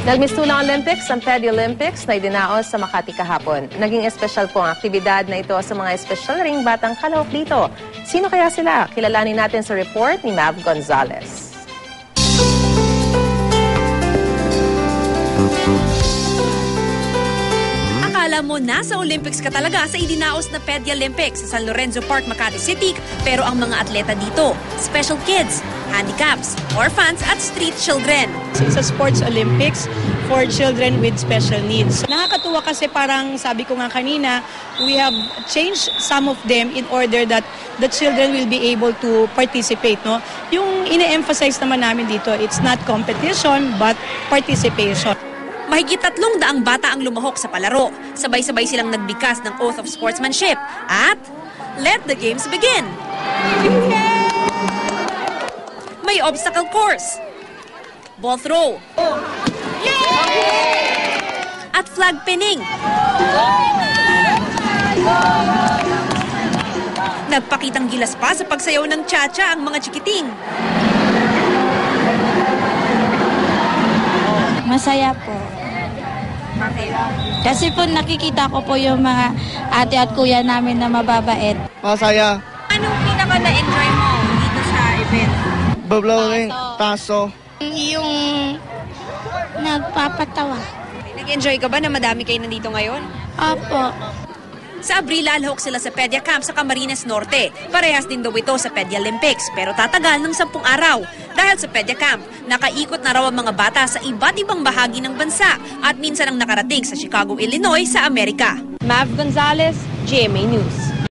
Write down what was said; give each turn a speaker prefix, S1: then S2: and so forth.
S1: Nagmistulang Olympics ang Pedia Olympics na idinaos sa Makati kahapon. Naging espesyal po ang aktibidad na ito sa mga espesyal ring batang kalahok dito. Sino kaya sila? Kilalanin natin sa report ni Mav Gonzalez.
S2: Akala mo nasa Olympics ka talaga sa idinaos na Pedia Olympics sa San Lorenzo Park, Makati City, pero ang mga atleta dito, special kids, handicaps, orphans at street children.
S3: It's a sports Olympics for children with special needs. Nakakatuwa kasi parang sabi ko nga kanina, we have changed some of them in order that the children will be able to participate. No? Yung ine-emphasize naman namin dito, it's not competition but participation.
S2: Mahigit 300 bata ang lumahok sa palaro. Sabay-sabay silang nagbigkas ng Oath of Sportsmanship at let the games begin. May obstacle course, ball throw, at flag pinning. Nagpakitang gilas pa sa pagsayaw ng cha-cha ang mga chikiting.
S4: Masaya po. Kasi po nakikita ko po yung mga ate at kuya namin na mababait.
S5: Masaya.
S2: Anong pinaka na-enjoy mo dito sa event?
S5: Bablowing, taso.
S4: Yung nagpapatawa.
S2: Nag-enjoy ka ba na madami kayo nandito ngayon?
S4: Opo.
S2: Sa Abril, lalahok sila sa Pedia Camp sa Camarines Norte. Parehas din daw ito sa Pedia Olympics, pero tatagal ng 10 araw. Dahil sa Pedia Camp, nakaikot na raw ang mga bata sa iba't ibang bahagi ng bansa at minsan ang nakarating sa Chicago, Illinois sa Amerika.
S1: Mav Gonzalez, GMA News.